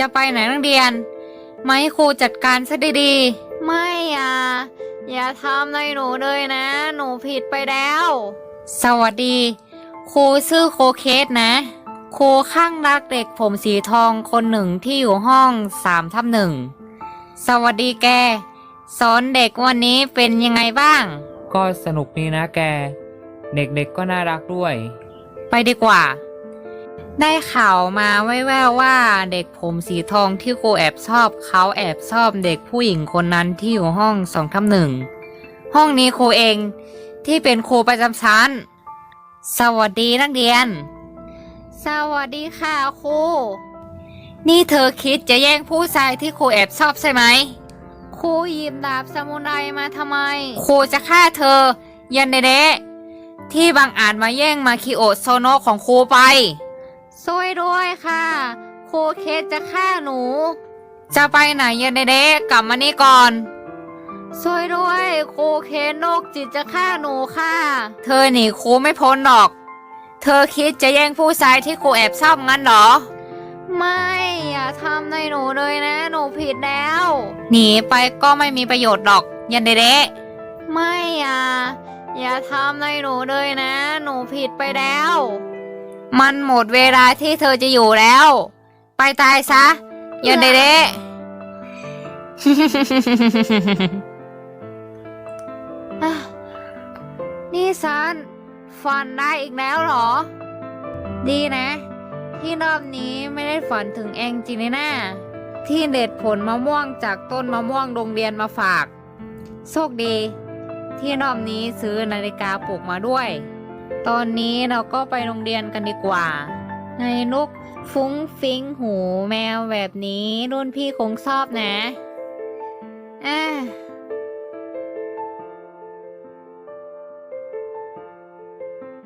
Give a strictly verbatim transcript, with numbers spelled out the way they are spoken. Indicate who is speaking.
Speaker 1: จะไปไหนนักเรียนไม่ครูจัดการซะดีๆไม่อ่ะอย่าทำในหนูเลยนะ หนูผิดไปแล้ว สวัสดีครูชื่อโคเคสนะครูข้างรักเด็กผมสีทองคนหนึ่งที่อยู่ห้องสามทับหนึ่งสวัสดีแกสอนเด็กวันนี้เป็นยังไงบ้าง
Speaker 2: ก็สนุกดีนะแกเด็กๆก็น่ารักด้วย
Speaker 1: ไปดีกว่าได้ข่าวมาแว่วๆว่าเด็กผมสีทองที่ครูแอบชอบเขาแอบชอบเด็กผู้หญิงคนนั้นที่อยู่ห้องสองทับหนึ่งห้องนี้ครูเองที่เป็นครูประจำชั้นสวัสดีนักเรียนสวัสดีค่ะครูนี่เธอคิดจะแย่งผู้ชายที่ครูแอบชอบใช่ไหมครูหยิบดาบซามูไรมาทำไมครูจะฆ่าเธอยันเดเดะที่บังอาจมาแย่งมาคิโอะโซโนะของครูไปช่วยด้วยค่ะครูเคสจะฆ่าหนูจะไปไหนยันเดเดะกลับมานี่ก่อนช่วยด้วยครูเคสโรคจิตจะฆ่าหนูค่ะเธอหนีครูไม่พ้นหรอกเธอคิดจะแย่งผู้ชายที่ครูแอบชอบงั้นเหรอไม่อย่าทำในหนูเลยนะหนูผิดแล้วหนีไปก็ไม่มีประโยชน์หรอกยันเดเดะไม่อ่ะอย่าทำในหนูเลยนะหนูผิดไปแล้วมันหมดเวลาที่เธอจะอยู่แล้วไปตายซะยันเดเดะ นี่ซันฝันได้อีกแล้วเหรอดีนะที่รอบนี้ไม่ได้ฝันถึงเองจริงเลยนะที่เด็ดผลมะม่วงจากต้นมะม่วงโรงเรียนมาฝากโชคดีที่รอบนี้ซื้อนาฬิกาปลุกมาด้วยตอนนี้เราก็ไปโรงเรียนกันดีกว่าในลุกฟุ้งฟิ้งหูแมวแบบนี้รุ่นพี่คงชอบนะ